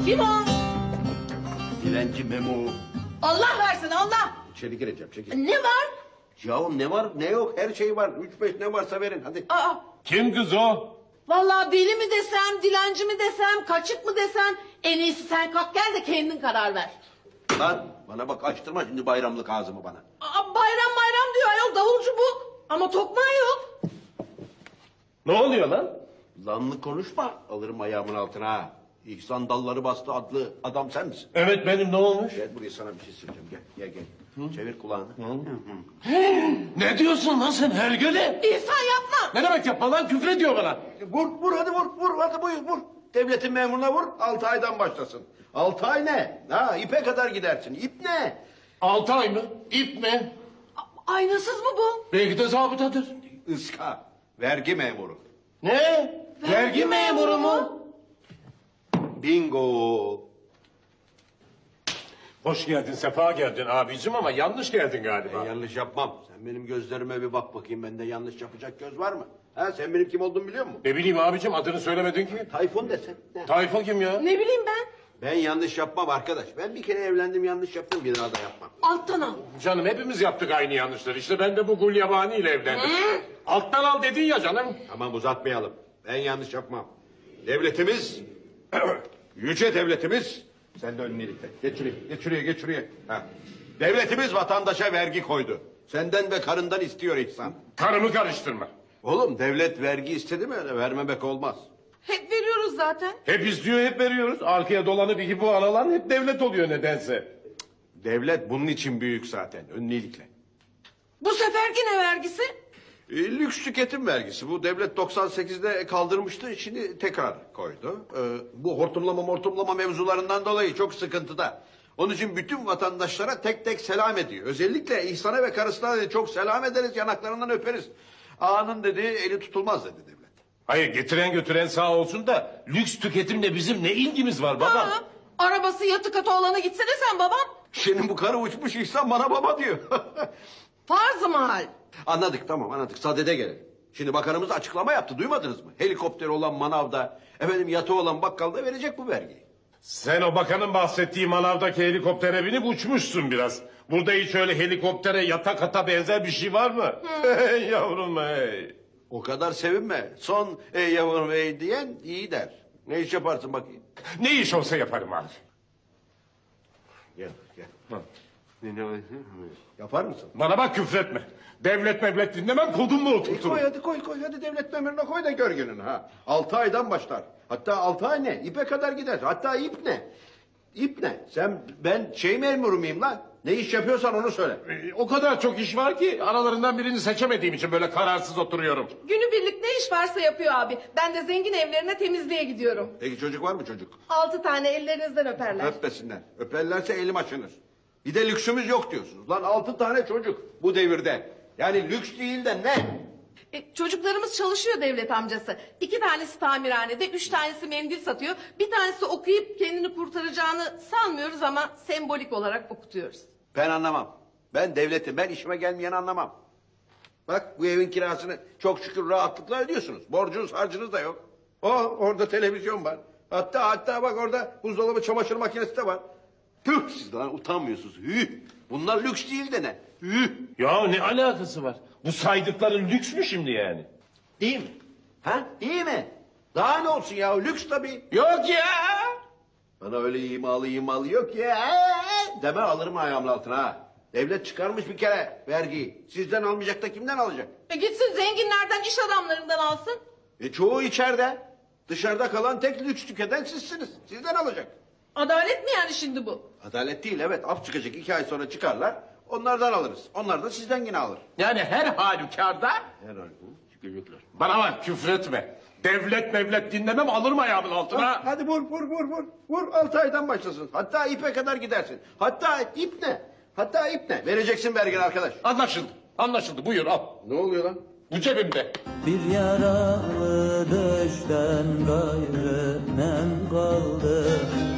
Kim o? Dilenci Memo. Allah versin Allah. İçeri gireceğim, çekil. Ne var? Yahu ne var ne yok her şey var. 3-5 ne varsa verin hadi. Aa, Kim kız o? vallahi deli mi desem, dilenci mi desem, kaçık mı desem... ...en iyisi sen kalk gel de kendin karar ver. Lan bana bak açtırma şimdi bayramlık ağzımı bana. Aa, bayram bayram diyor ayol, davulcu bu. Ama tokmağı yok. Ne oluyor lan? Lanlık konuşma alırım ayağımın altına ha. İhsan Dalları Bastı adlı adam sen misin? Evet benim, ne olmuş? Gel buraya sana bir şey söyleyeceğim gel. Çevir kulağını. Ne diyorsun lan sen hergele? İhsan yapma. Ne demek yapma lan, küfür ediyor bana. Vur hadi vur hadi buyur vur. Devletin memuruna vur 6 aydan başlasın. 6 ay ne? Ha ipe kadar gidersin. İp ne? 6 ay mı? İp mi? Aynasız mı bu? Belki de zabıtadır. Iska. Vergi memuru. Ne? Vergi memuru mu? Bingo. Hoş geldin, sefa geldin abicim ama yanlış geldin Ben galiba. yanlış yapmam. Sen benim gözlerime bir bak bakayım. Bende yanlış yapacak göz var mı? Ha sen benim kim olduğumu biliyor musun? Ne bileyim abicim, adını söylemedin ki. Tayfun desen. Ne? Tayfun kim ya? Ne bileyim ben. Ben yanlış yapmam arkadaş. Ben bir kere evlendim yanlış yaptım bir daha da yapmam. Alttan al. Canım hepimiz yaptık aynı yanlışları. İşte ben de bu Gulyabani ile evlendim. Alttan al dedin ya canım. Tamam uzatmayalım. Ben yanlış yapmam. Devletimiz, yüce devletimiz, sen de önüne ilikle. Geç şuraya. Ha. Devletimiz vatandaşa vergi koydu. Senden ve karından istiyor İhsan. Karımı karıştırma. Oğlum devlet vergi istedi mi öyle vermemek olmaz. Hep veriyoruz zaten. Hep istiyor, hep veriyoruz. Arkaya dolanıp iki bu alan hep devlet oluyor nedense. Devlet bunun için büyük zaten önüne ilikle. Bu seferki ne vergisi? Lüks tüketim vergisi. Bu devlet 98'de kaldırmıştı. Şimdi tekrar koydu. Bu hortumlama mevzularından dolayı çok sıkıntıda. Onun için bütün vatandaşlara tek tek selam ediyor. Özellikle İhsan'a ve karısına dedi, çok selam ederiz, yanaklarından öperiz. Ağanın dedi eli tutulmaz dedi devlet. Hayır, getiren götüren sağ olsun da lüks tüketimle bizim ne ilgimiz var baba? Ha, arabası yatı katı olana gitsene sen babam. Şimdi bu karı uçmuş İhsan bana baba diyor. Farz-ı mahal. Anladık tamam anladık sadede gelelim. Şimdi bakanımız açıklama yaptı duymadınız mı? Helikopteri olan manavda, efendim yatı olan bakkalda verecek bu vergiyi. Sen o bakanın bahsettiği manavdaki helikoptere binip uçmuşsun biraz. Burada hiç öyle helikoptere yatak ata benzer bir şey var mı? Hey yavrum hey. O kadar sevinme. Son ey yavrum ey diyen iyi der. Ne iş yaparsın bakayım? Ne iş olsa yaparım abi. Gel. Yapar mısın? Bana bak, küfretme. Devlet mevlet dinlemem, kodumu oturturum. Koy hadi devlet memuruna koy da gör gününü ha. 6 aydan başlar. Hatta 6 ay ne? İpe kadar gider. Hatta ip ne? İp ne? Ben memuru muyum lan? Ne iş yapıyorsan onu söyle. O kadar çok iş var ki aralarından birini seçemediğim için böyle kararsız oturuyorum. Günübirlik ne iş varsa yapıyor abi. Ben de zengin evlerine temizliğe gidiyorum. Peki çocuk var mı çocuk? 6 tane ellerinizden öperler. Öpmesinler. Öperlerse elim açılır. Bir de lüksümüz yok diyorsunuz. Lan 6 tane çocuk bu devirde. Yani lüks değil de ne? Çocuklarımız çalışıyor devlet amcası. 2 tanesi tamirhanede, 3 tanesi mendil satıyor. Bir tanesi okuyup kendini kurtaracağını sanmıyoruz ama sembolik olarak okutuyoruz. Ben anlamam. Ben devletim. Ben işime gelmeyeni anlamam. Bak bu evin kirasını çok şükür rahatlıkla ödüyorsunuz. Borcunuz harcınız da yok. Orada televizyon var. Hatta bak orada buzdolabı çamaşır makinesi de var. Tüh siz lan utanmıyorsunuz. Bunlar lüks değil de ne? Ya ne alakası var? Bu saydıkların lüks mü şimdi yani? Değil mi? Ha? Değil mi? Daha ne olsun ya lüks tabii. Yok ya. Bana öyle imalı yok ya. Deme alırım ayağımın altına ha. Devlet çıkarmış bir kere vergiyi. Sizden almayacak da kimden alacak? Gitsin zenginlerden, iş adamlarından alsın. Çoğu içeride. Dışarıda kalan tek lüks tüketen sizsiniz. Sizden alacak. Adalet mi yani şimdi bu? Adalet değil evet. Af çıkacak 2 ay sonra çıkarlar. Onlardan alırız. Onlar da sizden yine alır. Yani her halükarda. Herhalde çıkacaklar. Bana bak, küfretme. Devlet mevlet dinlemem, alırım ayağımın altına. Hadi vur. Vur 6 aydan başlasın. Hatta ipe kadar gidersin. Hatta ip ne? Vereceksin vergini arkadaş. Anlaşıldı, buyur al. Ne oluyor lan? Bu cebimde. Bir yaralı düşten gayrı nem kaldı.